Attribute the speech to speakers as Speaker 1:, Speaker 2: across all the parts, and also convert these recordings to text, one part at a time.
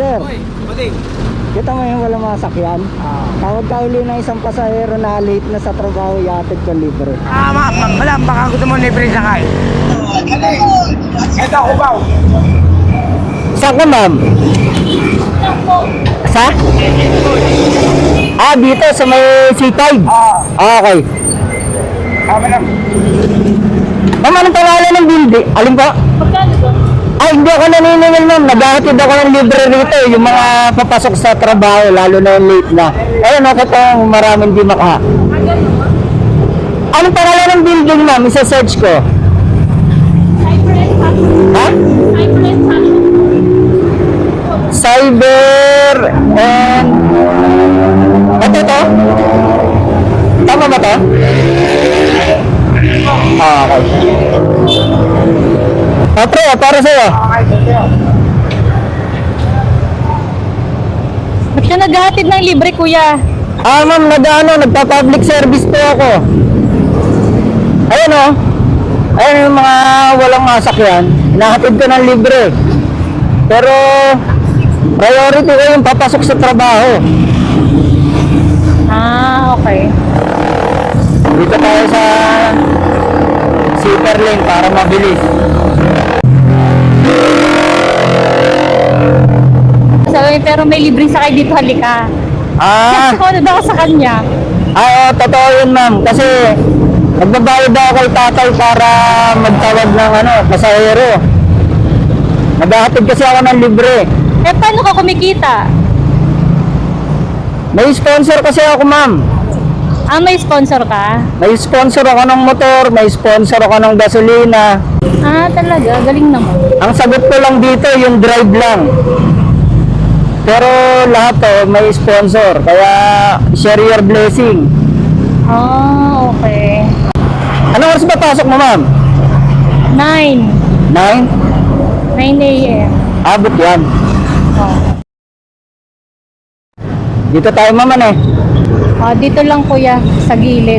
Speaker 1: sir.
Speaker 2: Oy, buding.
Speaker 1: Kita mo yung walang masakyan. Tawag ka uli ng isang pasahero na late na sa trabaho, iatid ko libre.
Speaker 2: Madam, baka gusto mo libre sakay. Ito, Cubao.
Speaker 1: Saan ka, ma'am? Sa? Dito sa may C5. Okay.
Speaker 2: Madam.
Speaker 1: Ma'am, anong pangalan ng building? Alin po?
Speaker 3: Magkano to?
Speaker 1: Hindi ako naniningil, ma'am. Naghahatid ako ng libre rito. Yung mga papasok sa trabaho, lalo na yung late na. Ayun, ako po, maraming di maka. Anong pangalan ng building, ma'am? Isa-search ko. Ha? Cyber and... Ito? Tama ba ito? Okay. Pre, para sa'yo.
Speaker 3: Ba't ka naghahatid ng libre, kuya?
Speaker 1: Ma'am, nagpa-public service po ako. Ayun o. Ayun yung mga walang masakyan. Hinahatid ko ng libre. Pero, priority ko yung papasok sa trabaho.
Speaker 3: Okay.
Speaker 1: Dito tayo sa zipper lane para mabilis.
Speaker 3: Sabi, pero may libreng sakay dito, halika. Kasi daw sa kanya.
Speaker 1: Totoo yun, ma'am. Kasi, nagbabayad daw kay tatay para magtawag ng pasahero. Naghahatid kasi ako ng libre.
Speaker 3: Paano ka kumikita?
Speaker 1: May sponsor kasi ako, ma'am.
Speaker 3: May sponsor ka?
Speaker 1: May sponsor ako ng motor, may sponsor ako ng gasolina.
Speaker 3: Talaga? Galing naman.
Speaker 1: Ang sagot ko lang dito, yung drive lang. Pero lahat to may sponsor, kaya share your blessing.
Speaker 3: Okay.
Speaker 1: Anong oras ba pasok mo, ma'am?
Speaker 3: 9
Speaker 1: 9?
Speaker 3: a.m.
Speaker 1: Abot yan. Dito tayo, ma'am,
Speaker 3: Dito lang, kuya, sa gilid.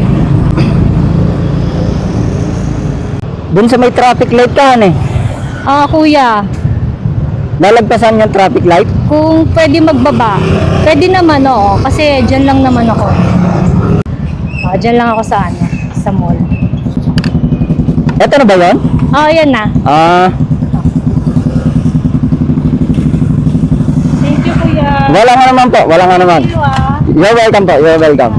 Speaker 1: Dun sa may traffic light ka,
Speaker 3: Kuya,
Speaker 1: lalagpasan yung traffic light?
Speaker 3: kung pwede magbaba, pwede naman, kasi dyan lang naman ako. Dyan lang ako sa mall.
Speaker 1: Eto na ba yun?
Speaker 3: Yan na. Thank you, kuya.
Speaker 1: Wala nga naman po, wala nga naman.
Speaker 3: Thank you,
Speaker 1: You're welcome po, you're welcome.